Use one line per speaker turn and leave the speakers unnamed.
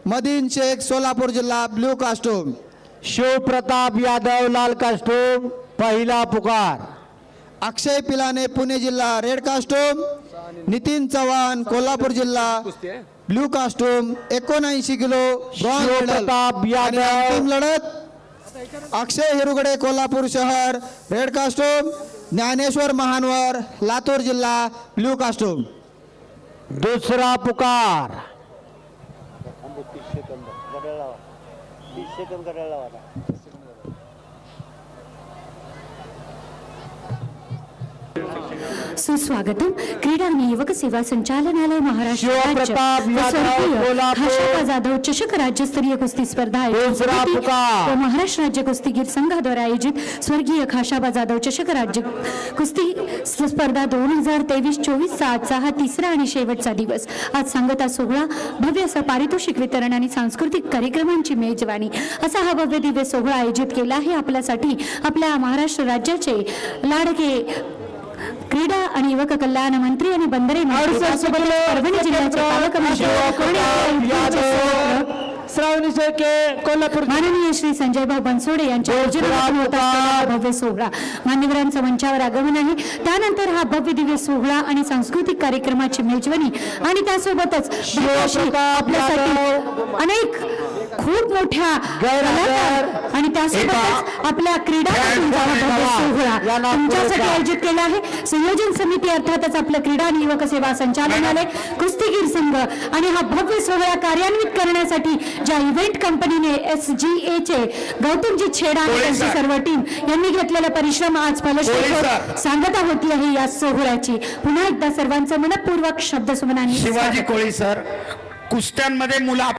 Medina Shaikh Solapur जिल्हा blue costume,
Shivpratap Yadav लाल costume पहिला पुकार,
अक्षय पिलाने पुणे जिल्हा रेड कास्टूम, नितीन चव्हाण कोल्हापूर जिल्हा blue costume 79 kilo bronze medal.
Shivpratap Yadav
अंतिम लढत अक्षय हिरुगडे कोल्हापूर शहर रेड कास्टूम, ज्ञानेश्वर महानवर लातूर जिल्हा ब्ल्यू कास्टूम।
दुसरा पुकार,
सुस्वागतम। क्रीडा आणि युवक सेवा संचालनालय महाराष्ट्र
शिवप्रताप
राज्य व
यादव,
स्वर्गीय
कोल्हापूर।
खाशाबा जाधव चषक राज्यस्तरीय कुस्ती स्पर्धा आयोजित
दुसरा
समिती
पुकार।
व महाराष्ट्र राज्य कुस्तीगीर संघाद्वारे आयोजित स्वर्गीय खाशाबा जाधव चषक राज्य कुस्ती स्पर्धा 2023-24 चा आजचा हा तिसरा आणि शेवटचा दिवस। आज सांगता सोहळा, भव्य असं पारितोषिक वितरण आणि सांस्कृतिक कार्यक्रमांची मेजवानी असा हा भव्य दिव्य सोहळा आयोजित केला आहे आपल्यासाठी आपल्या महाराष्ट्र राज्याचे लाडके क्रीडा आणि युवक कल्याण मंत्री आणि बंदरे मंत्री परभणी जिल्ह्याचे पालकमंत्री
श्रावणी शेळके कोल्हापूर,
माननीय श्री संजयभाऊ बनसोडे यांच्या आयोजनातून होत असलेला हा भव्य सोहळा मान्यवरांचं मंचावर आगमन आहे। त्यानंतर हा भव्य दिव्य सोहळा आणि सांस्कृतिक कार्यक्रमाची मेजवानी आणि त्यासोबतच आपल्यासाठी अनेक खूप मोठ्या कलाकार आणि त्यासोबतच आपल्या क्रीडापटूंचा हा भव्य सोहळा तुमच्यासाठी आयोजित केला आहे। संयोजन समिती अर्थातच आपलं क्रीडा आणि युवक सेवा संचालनालय, कुस्तीगीर संघ आणि हा भव्य सोहळा कार्यान्वित करण्यासाठी ज्या इव्हेंट कंपनीने SGA चे गौतमजी छेडा आणि त्यांची सर्व टीम यांनी घेतलेला परिश्रम आज फलश्रुती होत सांगता होती आहे या सोहळ्याची। पुन्हा एकदा सर्वांचं मनपूर्वक शब्दसुमनांनी
शिवाजी कोळी सर, कुस्त्यांमध्ये मुलं